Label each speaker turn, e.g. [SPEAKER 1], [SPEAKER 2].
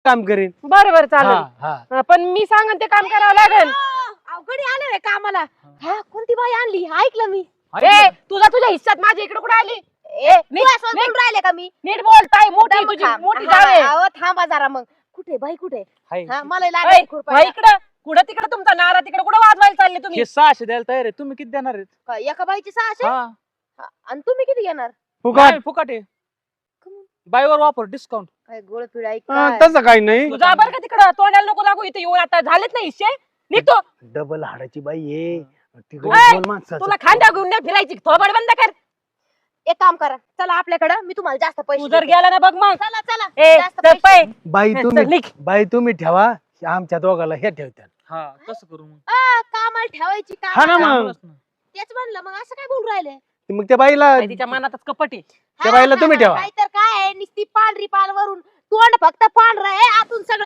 [SPEAKER 1] काम करेन.
[SPEAKER 2] बरोबर
[SPEAKER 1] हा
[SPEAKER 2] चालेल.
[SPEAKER 1] हा
[SPEAKER 2] पण मी सांगन ते काम करावं लागेल.
[SPEAKER 3] अवघडी आले रे कामाला. हा कोणती बाई आणली ऐकलं मी.
[SPEAKER 2] ए तुझ्या हिस्सात माझ्या इकडे कुठे आली?
[SPEAKER 3] बोलून राहिले का मी
[SPEAKER 2] नीट बोलताय. मोठी
[SPEAKER 3] दम
[SPEAKER 2] तुझी
[SPEAKER 3] थांब.
[SPEAKER 2] मोठी
[SPEAKER 3] हा,
[SPEAKER 2] जावे.
[SPEAKER 3] अहो, थांबा जरा मग. कुठे बाई कुठे
[SPEAKER 1] हाय.
[SPEAKER 3] हा मला लागेल खुरपायला.
[SPEAKER 2] इकडं कुठं तिकडं तुमचा नारा तिकडे कुठं वाजवायला चालले तुम्ही?
[SPEAKER 1] हे 600 द्यायला तयार आहे. तुम्ही किती देणार आहेत?
[SPEAKER 3] काय, एका बाईची 600
[SPEAKER 1] हा
[SPEAKER 3] आणि तुम्ही किती घेणार?
[SPEAKER 1] फुकट. नाही, फुकट आहे. बायवर वापर डिस्काउंट.
[SPEAKER 3] काय गोळ पिढा
[SPEAKER 1] तसं काही नाही.
[SPEAKER 2] तुझा बरं का तिकडं तोंडाला नको लागू. इथे येऊन आता झालेच नाही हिस्से. निघतो.
[SPEAKER 1] डबल हाडाची बाई आहे. तिकडे
[SPEAKER 2] ओय,
[SPEAKER 1] दोन माणसाचं.
[SPEAKER 2] तुला खांद्या घेऊन नाही फिरायची. थोबड बंद कर.
[SPEAKER 3] एक काम करा चला आपल्याकडे मी तुम्हाला जास्त
[SPEAKER 2] तू
[SPEAKER 3] पैसे
[SPEAKER 2] जर
[SPEAKER 3] देते.
[SPEAKER 2] गेला ना बघ मग.
[SPEAKER 3] चला चला
[SPEAKER 2] ए
[SPEAKER 3] जास्त
[SPEAKER 2] चल
[SPEAKER 3] पैसे.
[SPEAKER 2] पाय.
[SPEAKER 1] बाई
[SPEAKER 2] चल,
[SPEAKER 1] तुम्ही
[SPEAKER 2] निघ.
[SPEAKER 1] बाई तुम्ही ठेवा. आमच्या दोघाला हे ठेवतात.
[SPEAKER 4] हा तसं करू मग.
[SPEAKER 3] कामाला ठेवायची
[SPEAKER 1] हा ना
[SPEAKER 3] काम
[SPEAKER 1] मग.
[SPEAKER 3] तेच म्हणलं मग असं काय बोलून राहिले
[SPEAKER 1] मग त्या बाईला
[SPEAKER 2] बाई, तिच्या मनातच कपट आहे.
[SPEAKER 1] त्या बाईला तुम्ही ठेवा.
[SPEAKER 3] काय तर काय नुसती पांढरी पान वरून तोंड फक्त पांढरं आहे आतून